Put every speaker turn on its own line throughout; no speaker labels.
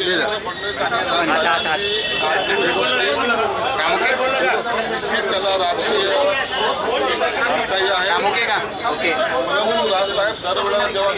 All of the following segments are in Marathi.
देवेंद्र फडणवीस आणि साहेबांची निश्चित त्याला राजकीय काही आहे, परंतु राजसाहेब दरवेळेला जेव्हा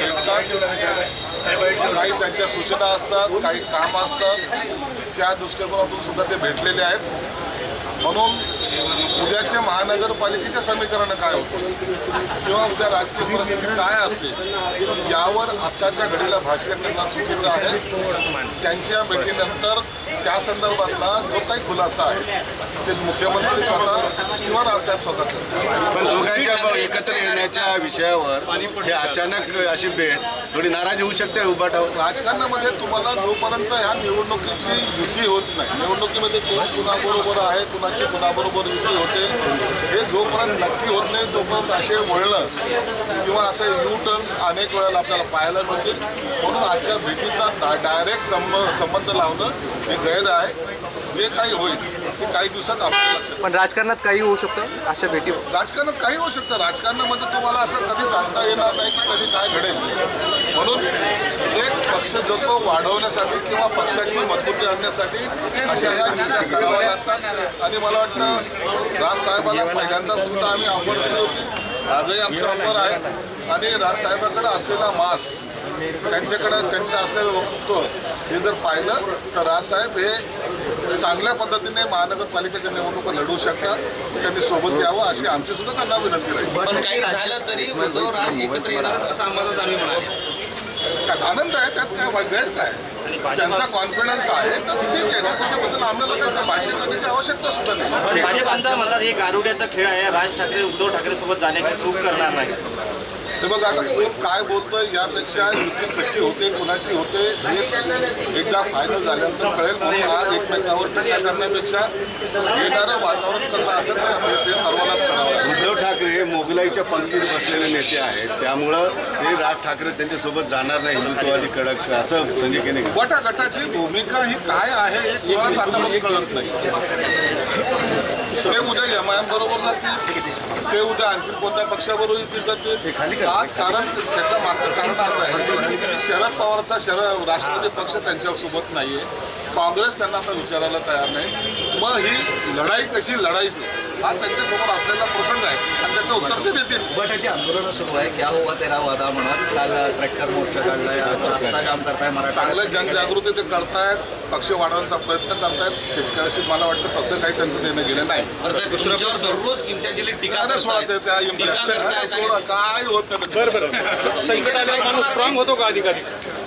भेटतात काही त्यांच्या सूचना असतात, काही काम असतात, त्या दृष्टिकोनातून सुद्धा ते भेटलेले आहेत. म्हणून उद्याच्या महानगरपालिकेचे समीकरण काय होतं किंवा उद्या राजकीय परिस्थिती काय असेल यावर आत्ताच्या घडीला भाष्य करणं चुकीचं आहे. त्यांच्या भेटीनंतर त्या संदर्भातला जो काही खुलासा आहे ते मुख्यमंत्री स्वतः किंवा राजसाहेब स्वतः करतात.
पण दोघांच्या एकत्र येण्याच्या विषयावर हे अचानक अशी भेट थोडी नाराजी होऊ शकते उभाटावर.
राजकारणामध्ये तुम्हाला जोपर्यंत ह्या निवडणुकीची युती होत नाही, निवडणुकीमध्ये कोण कुणाबरोबर आहे, कुणाची कुणाबरोबर युती होते, हे जोपर्यंत नक्की होत नाही तोपर्यंत असे वळणं किंवा असे यू टर्न्स अनेक वेळेला आपल्याला पाहायला मिळतील. म्हणून आजच्या भेटीचा डायरेक्ट संबंध लावणं हे गैर आहे. जे काही होईल ते काही दिवसात आपल्याला लक्षात.
पण राजकारणात काही होऊ शकतं अशा भेटीवर.
राजकारणात काही होऊ शकतं. राजकारणामध्ये तुम्हाला असं कधी सांगता येणार नाही की कधी काय घडेल. म्हणून एक पक्ष जो तो वाढवण्यासाठी किंवा पक्षाची मजबूती आणण्यासाठी अशा ह्या युत्या कराव्या लागतात. आणि मला वाटतं राजसाहेबांना पहिल्यांदा सुद्धा आम्ही ऑफर केली होती, आजही आमची ऑफर आहे. आणि राजसाहेबांकडे असलेला मास, त्यांच्याकडे त्यांचं असलेलं वक्तृत्व हे जर पाहिलं तर राजसाहेब हे चांगल्या पद्धतीने महानगरपालिकेच्या निवडणुका लढवू शकतात. त्यांनी सोबत यावं अशी आमची सुद्धा त्यांना विनंती राहील.
पण काही झालं तरी उद्धवराज एकत्र येणारच असं अंबादास आम्ही म्हणाले.
आनंद आहे, त्यात काय गैर काय, त्यांचा कॉन्फिडन्स आहे तर ठीक आहे ना. त्याच्याबद्दल आम्हाला काही भाष्य करण्याची आवश्यकता सुद्धा नाही.
भाजप आमदार म्हणतात हे गारुड्याचा खेळ आहे, राज ठाकरे उद्धव ठाकरे सोबत जाण्याची चूक करणार नाही.
हे बघा आता कोण काय बोलतोय यापेक्षा युती कशी होते, कुणाशी होते हे एकदा फायनल झाल्यानंतर कळेल. म्हणून आज एकमेकांवर टीका करण्यापेक्षा येणारं वातावरण कसं असेल तर हे सर्वांनाच करावं लागेल.
उद्धव ठाकरे हे मोगलाईच्या पंक्तीत बसलेले नेते आहेत, त्यामुळं ते राज ठाकरे त्यांच्यासोबत जाणार नाही, हिंदुत्ववादी कडक असं संजय केने.
गटाची भूमिका ही काय आहे हे कोणाच आतापर्यंत कळत नाही. ते उद्या एमआयएम बरोबर जातील, ते उद्या आणखी कोणत्या पक्षाबरोबर येतील जातील. आज कारण त्याचं मागचं कारण असं आहे की शरद पवारचा राष्ट्रवादी पक्ष त्यांच्यासोबत नाही आहे, काँग्रेस त्यांना आता विचारायला तयार नाही. मग ही लढाई कशी लढायची हा त्यांच्यासमोर असलेला प्रसंग आहे आणि त्याचं उत्तर ते देतील.
उभाटाची आंदोलन सुरू आहे, क्या हुआ तेरा वादा म्हणत काल ट्रॅक्टर मोर्चा काढलाय, रस्ता जाम करताय, मराठा
चांगलं जनजागृती ते करतायत, पक्ष वाढवण्याचा प्रयत्न करतायत. शेतकऱ्याशी मला वाटतं तसं काही त्यांचं देणं गेलं नाही.
तुमच्यावर दररोज इम्तियाजी टीका
सोडा ते त्या सोडा काय होत नाही.
संकटाला माणूस स्ट्रॉंग होतो का अधिकाधिक.